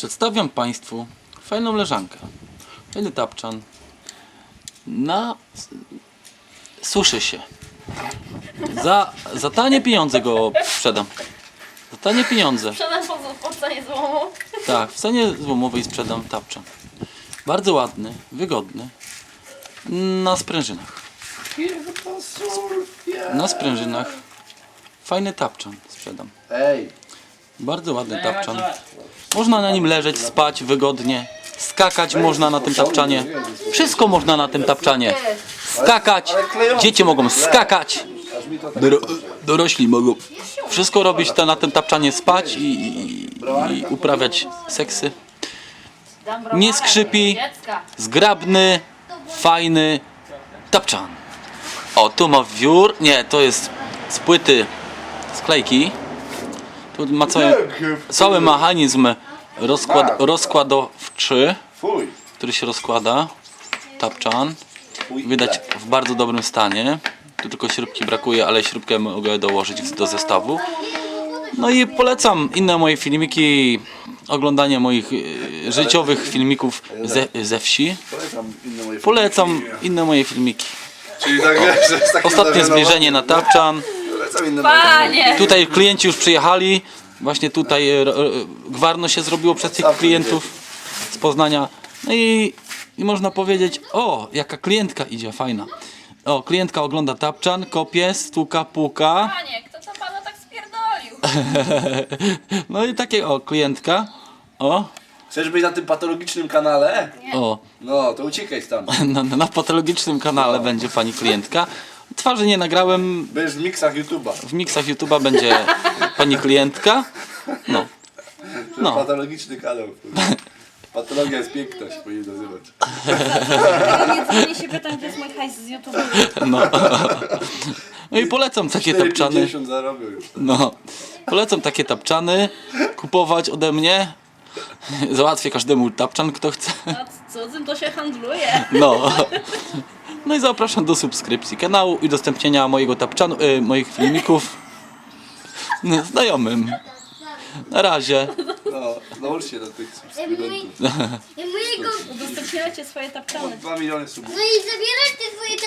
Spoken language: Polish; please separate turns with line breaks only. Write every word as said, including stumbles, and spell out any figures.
Przedstawiam Państwu fajną leżankę. Fajny tapczan. Na... Suszy się. Za, za tanie pieniądze go sprzedam. Za tanie pieniądze.
Sprzedam po, po cenie złomu.
Tak, w cenie złomowej sprzedam tapczan. Bardzo ładny, wygodny. Na sprężynach. Na sprężynach. Fajny tapczan sprzedam.
Ej,
Bardzo ładny tapczan. Można na nim leżeć, spać wygodnie. Skakać można na tym tapczanie. Wszystko można na tym tapczanie. Skakać. Dzieci mogą skakać. Doro dorośli mogą wszystko robić to na tym tapczanie, spać i, i, i uprawiać seksy. Nie skrzypi. Zgrabny, fajny tapczan. O, tu ma wiór. Nie, to jest z płyty sklejki. Tu ma cały, cały mechanizm rozkład, rozkładowczy,
fuj.
który się rozkłada. Tapczan. Widać w bardzo dobrym stanie. Tu tylko śrubki brakuje, ale śrubkę mogę dołożyć do zestawu. No i polecam inne moje filmiki, oglądanie moich y, życiowych filmików ze, ze wsi.
Polecam inne moje
Polecam inne moje filmiki.
Czyli tak wiesz, że jest takie
Ostatnie
zażenowanie.
zbliżenie na tapczan.
Polecam inne moje
Panie!
Tutaj klienci już przyjechali. Właśnie tutaj e, e, gwarno się zrobiło przez tych klientów z Poznania. No i, i można powiedzieć, o, jaka klientka idzie, fajna. O, klientka ogląda tapczan, kopie, stuka, puka.
Panie, kto to pana tak spierdolił?
No i takie, o, klientka. O,
Chcesz być na tym patologicznym kanale?
o,
No, to uciekaj tam.
na, na patologicznym kanale będzie pani klientka. Twarzy nie nagrałem,
Będziesz w miksach YouTube'a.
w miksach YouTube'a będzie pani klientka. No,
No.
no.
Patologiczny kanał. Patologia jest piękna, się powinien nazywać.
Nie dzwoni się pytam, gdzie jest mój hajs z YouTube.
No. No i polecam takie
cztery
tapczany.
pięćdziesiąt zarobił już.
No. Polecam takie tapczany kupować ode mnie. Załatwię każdemu tapczan, kto chce.
A cudzym to się handluje.
No. No i zapraszam do subskrypcji kanału i udostępnienia mojego tapczanu, y, moich filmików znajomym. Na razie.
No, nałóż się do tych subskrybentów.
I mojego...
Udostępniajcie swoje tapczany.
dwa miliony subów.
No i zabierasz te swoje